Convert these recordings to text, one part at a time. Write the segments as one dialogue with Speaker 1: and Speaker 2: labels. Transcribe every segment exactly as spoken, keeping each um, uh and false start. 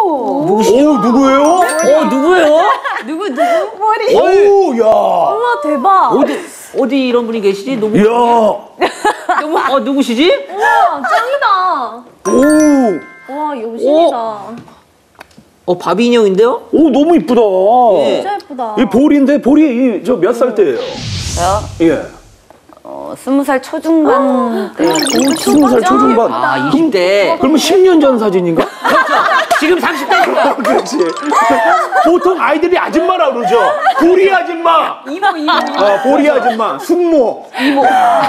Speaker 1: 오,
Speaker 2: 누구시죠?
Speaker 3: 오, 누구예요?
Speaker 2: 어, 누구예요?
Speaker 1: 누구 누구? 머리.
Speaker 3: 오, 야.
Speaker 1: 우와 대박.
Speaker 2: 어디, 어디 이런 분이 계시지? 너무.
Speaker 3: 야.
Speaker 2: 너무, 어, 누구시지?
Speaker 1: 우와 짱이다.
Speaker 3: 오.
Speaker 1: 와 여신이다.
Speaker 2: 어, 바비 인형인데요?
Speaker 3: 오, 너무 이쁘다.
Speaker 2: 예.
Speaker 1: 진짜 예쁘다.
Speaker 3: 이 볼인데, 볼이 저 몇 살 때예요?
Speaker 4: 저요?
Speaker 3: 예.
Speaker 4: 어, 스무 살 초중반 때.
Speaker 3: 오, 스무 살 초중반.
Speaker 2: 아, 이십 대.
Speaker 3: 그러면 십 년 전 사진인가?
Speaker 2: 그렇죠. 지금 삼십 대.
Speaker 3: 그렇지. 보통 아이들이 아줌마라 그러죠. 보리 아줌마.
Speaker 1: 이모 이모.
Speaker 3: 어, 보리 아줌마. 숙모.
Speaker 1: 이모.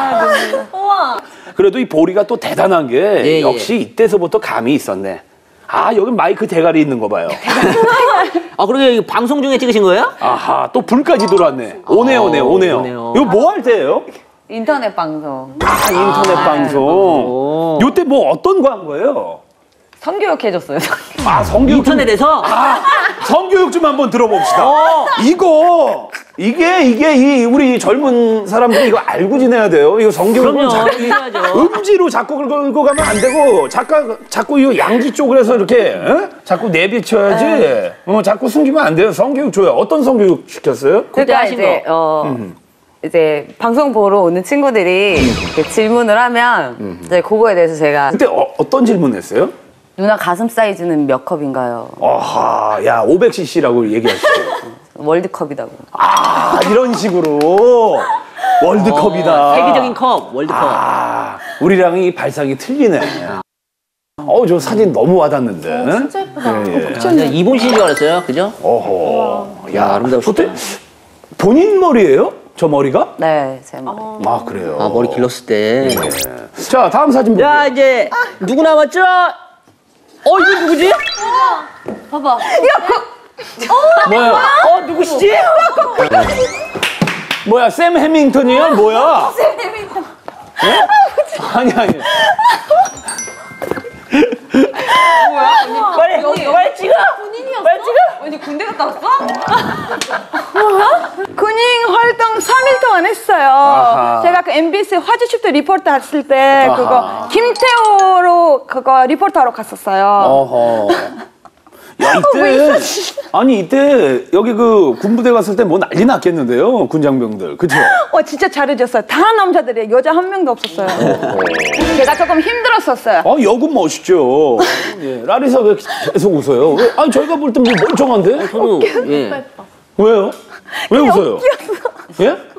Speaker 1: 우와.
Speaker 3: 그래도 이 보리가 또 대단한 게
Speaker 2: 예,
Speaker 3: 역시 이때서부터 감이 있었네. 아, 여기 마이크 대가리 있는 거 봐요.
Speaker 2: 아, 그러게 방송 중에 찍으신 거예요?
Speaker 3: 아하, 또 불까지 들어왔네. 오네요, 오네요, 오네요.
Speaker 2: 오네요.
Speaker 3: 이거 뭐 할 때예요?
Speaker 4: 인터넷 방송.
Speaker 3: 아, 인터넷 방송.
Speaker 2: 오.
Speaker 3: 요때 뭐 어떤 거 한 거예요?
Speaker 4: 성교육 해줬어요.
Speaker 3: 아, 성교육. 좀-
Speaker 2: 인터넷에서?
Speaker 3: 아, 성교육 좀 한번 들어봅시다.
Speaker 2: 어.
Speaker 3: 이거, 이게, 이게, 이, 우리 젊은 사람들이 이거 알고 지내야 돼요. 이거 성교육은
Speaker 2: 그럼요.
Speaker 3: 자꾸
Speaker 2: 해야죠.
Speaker 3: 음지로 자꾸 긁고 가면 안 되고, 자꾸, 자꾸 이 양지 쪽으로 해서 이렇게, 어? 자꾸 내비쳐야지. 어, 자꾸 숨기면 안 돼요. 성교육 줘요. 어떤 성교육 시켰어요?
Speaker 2: 그때
Speaker 4: 그러니까
Speaker 2: 하신
Speaker 4: 이제
Speaker 2: 거.
Speaker 4: 어 이제 방송 보러 오는 친구들이 이렇게 질문을 하면 이제 그거에 대해서 제가
Speaker 3: 그때 어, 어떤 질문 했어요?
Speaker 4: 누나 가슴 사이즈는 몇 컵인가요?
Speaker 3: 아하, 야, 오백 씨씨라고 얘기하시죠.
Speaker 4: 월드컵이라고.
Speaker 3: 아, 이런 식으로. 월드컵이다.
Speaker 2: 어, 세계적인 컵, 월드컵.
Speaker 3: 아, 우리랑 이 발상이 틀리네. 어우, 저 사진 너무 와닿는데.
Speaker 1: 진짜 예쁘다.
Speaker 3: 예, 예.
Speaker 2: 아, 진짜 이본 씨인 줄 알았어요. 그죠?
Speaker 3: 어허.
Speaker 2: 야, 아름다우시다.
Speaker 3: 그때 본인 머리예요? 저 머리가?
Speaker 4: 네, 제 머리.
Speaker 3: 아, 그래요.
Speaker 2: 아, 머리 길렀을 때.
Speaker 3: 예. 자, 다음 사진 볼게요.
Speaker 2: 자, 이제 누구 남았죠? 어, 이거 누구지?
Speaker 1: 봐봐.
Speaker 3: 뭐야?
Speaker 2: 어, 누구시지?
Speaker 3: 뭐야, 샘 해밍턴이야? 뭐야? 샘 해밍턴. 아니, 아니.
Speaker 2: 빨리, 빨리 찍어!
Speaker 1: 본인이었어?
Speaker 2: 빨리 찍어!
Speaker 4: 언니 군대 갔다 왔어?
Speaker 5: 군인 활동 삼 일 동안 했어요.
Speaker 3: 아하.
Speaker 5: 제가 그 엠비씨 화제집도 리포트 했을 때
Speaker 3: 아하.
Speaker 5: 그거 김태호로 그거 리포트하러 갔었어요.
Speaker 3: 어허. 야, 이때. 아니, 이때 여기 그 군부대 갔을 때 뭐 난리 났겠는데요? 군장병들. 그쵸?
Speaker 5: 어, 진짜 잘해줬어요. 다 남자들이에요. 여자 한 명도 없었어요. 제가 조금 힘들었었어요.
Speaker 3: 아, 여군 멋있죠. 예, 라리사 왜 계속 웃어요? 왜? 아니, 저희가 볼 때 뭐 멀쩡한데?
Speaker 2: 저도, 예.
Speaker 3: 왜요? 왜 웃어요? 예?